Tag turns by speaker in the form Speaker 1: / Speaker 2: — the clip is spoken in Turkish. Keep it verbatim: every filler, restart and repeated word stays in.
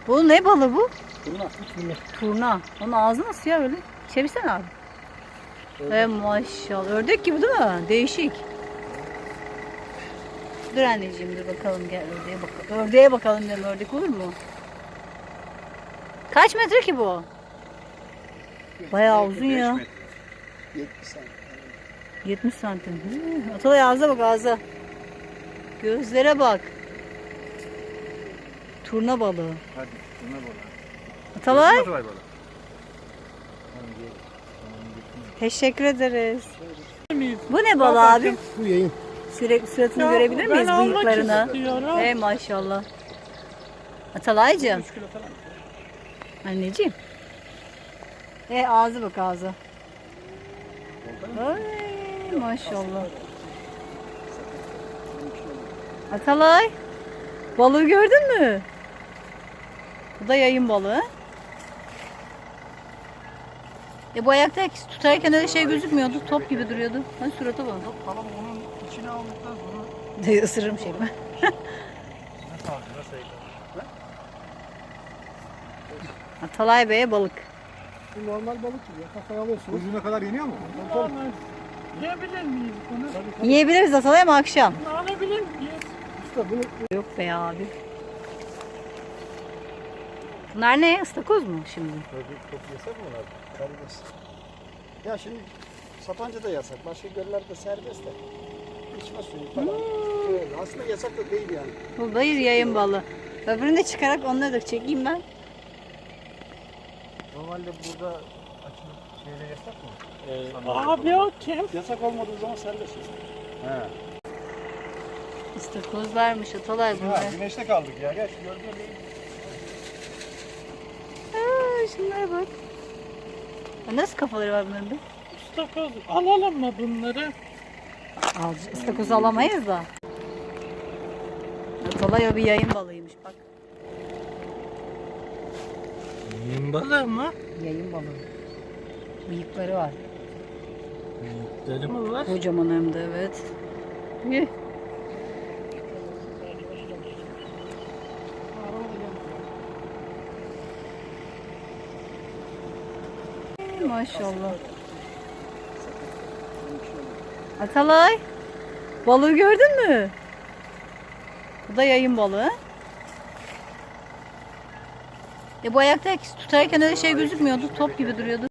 Speaker 1: Bu ne balığı bu?
Speaker 2: Turna. Turna.
Speaker 1: Turna. Onun ağzı nasıl ya öyle? Çevirsene abi. Ee, maşallah. Ördek gibi değil mi? Değişik. Dur anneciğim dur bakalım gel ördeğe bakalım. Ördeğe bakalım dedim, ördek olur mu? Kaç metre ki bu? Bayağı uzun ya.
Speaker 2: yetmiş santim.
Speaker 1: yetmiş santim. Hı, Atalay ağza bak ağza. Gözlere bak. Turna balığı.
Speaker 2: Hadi turna balığı.
Speaker 1: Atalay.
Speaker 2: Atalay balığı.
Speaker 1: Teşekkür ederiz. Bu ne balığı abi?
Speaker 2: Bu yayın.
Speaker 1: Sürekli suratını
Speaker 3: Ya,
Speaker 1: görebilir miyiz
Speaker 3: ben almak
Speaker 1: bıyıklarını?
Speaker 3: istiyorum.
Speaker 1: Hey maşallah. Atalaycığım.
Speaker 2: üç kilo falan.
Speaker 1: Anneciğim. E ağzı bak ağzı. Ay maşallah. Atalay. Balığı gördün mü? Bu da yayın balığı. E bu ayakta tutarken öyle şey gözükmüyordu. Top gibi duruyordu. Hani surata bak.
Speaker 2: Yok tamam onun içine aldıktan sonra
Speaker 1: Isırırım şey mi?
Speaker 2: nasıl aldı nasıl yıkadı?
Speaker 1: Atalay Bey'e balık.
Speaker 2: Bu normal balık gibi ya. Kafaya alıyorsunuz. Ucuna kadar yeniyor mu?
Speaker 3: Normal. Yiyebilir miyiz bunu?
Speaker 1: Yiyebiliriz Atalay ama akşam.
Speaker 3: Bunu alabilir miyiz?
Speaker 2: Usta bunu
Speaker 1: Yok be abi. Bunlar ne? Istakoz mu şimdi?
Speaker 2: çok yasak mı onlar? Karides. Ya şimdi Sapanca'da yasak. Başka göllerde serbest de. İçme suyu falan. Evet, aslında yasak da değil yani.
Speaker 1: Bu da yayın balığı. Öbürünü de çıkarak onları da çekeyim ben.
Speaker 2: Normalde burada açılıp şeyde yasak mı?
Speaker 3: Abi o kim?
Speaker 2: Yasak olmadığı zaman serbest. He.
Speaker 1: İstakozlarmış Atalay bunlar.
Speaker 2: Ya güneşte kaldık ya. Gel şu gördüğün gibi.
Speaker 1: Aa, şunlara bak. Ya nasıl kafaları var bunların be?
Speaker 3: İstakoz alalım mı bunları?
Speaker 1: Al, istakozu alamayız da. Atalay o bir yayın balığıymış bak.
Speaker 3: Yem balığı mı?
Speaker 1: Yayın balığı. Bıyıkları var.
Speaker 3: Bıyıkları mı var?
Speaker 1: Kocaman hem de evet. Yih. Maşallah. Atalay. Balığı gördün mü? Bu da yayın balığı. E bu ayakta tutarken öyle şey gözükmüyordu. Top gibi duruyordu.